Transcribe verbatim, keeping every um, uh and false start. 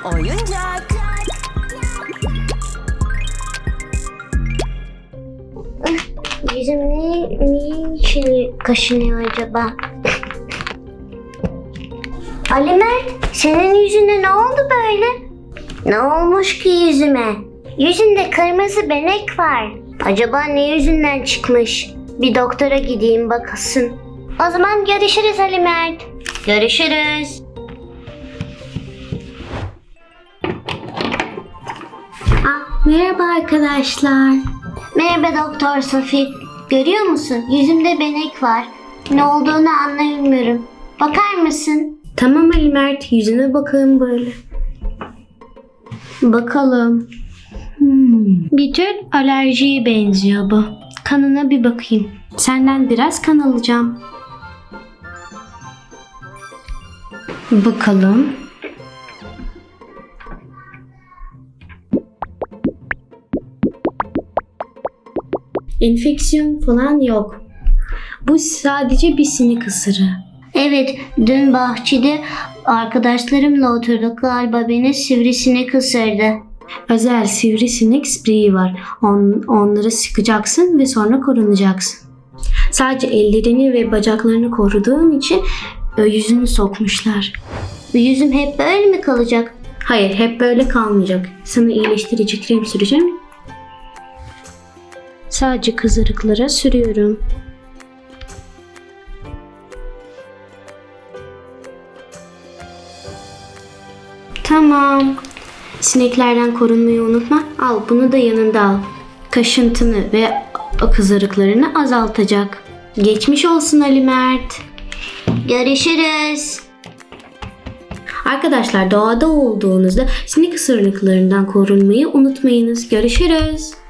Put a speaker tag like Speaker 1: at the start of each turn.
Speaker 1: oyuncak.
Speaker 2: Yüzüm ne, niye için kaşınıyor acaba? Ali Mert, senin yüzüne ne oldu böyle? Ne olmuş ki yüzüme? Yüzünde kırmızı benek var. Acaba ne yüzünden çıkmış? Bir doktora gideyim bakasın. O zaman görüşürüz Ali Mert. Görüşürüz. Ah, merhaba arkadaşlar. Merhaba Doktor Sophie. Görüyor musun? Yüzümde benek var. Ne olduğunu anlayamıyorum. Bakar mısın? Tamam Ali Mert. Yüzüne bakalım böyle. Bakalım. Hmm. Bir tür alerjiye benziyor bu. Kanına bir bakayım. Senden biraz kan alacağım. Bakalım. Enfeksiyon falan yok. Bu sadece bir sinek ısırığı. Evet, dün bahçede arkadaşlarımla oturduk, galiba beni sivrisinek ısırdı. Özel sivrisinek spreyi var. On, onları sıkacaksın ve sonra korunacaksın. Sadece ellerini ve bacaklarını koruduğun için yüzünü sokmuşlar. Yüzüm hep böyle mi kalacak? Hayır, hep böyle kalmayacak. Sana iyileştirici krem süreceğim. Sadece kızarıklara sürüyorum. Tamam. Sineklerden korunmayı unutma. Al, bunu da yanında al. Kaşıntını ve kızarıklarını azaltacak. Geçmiş olsun Ali Mert. Görüşürüz. Arkadaşlar, doğada olduğunuzda sinek ısırıklarından korunmayı unutmayınız. Görüşürüz.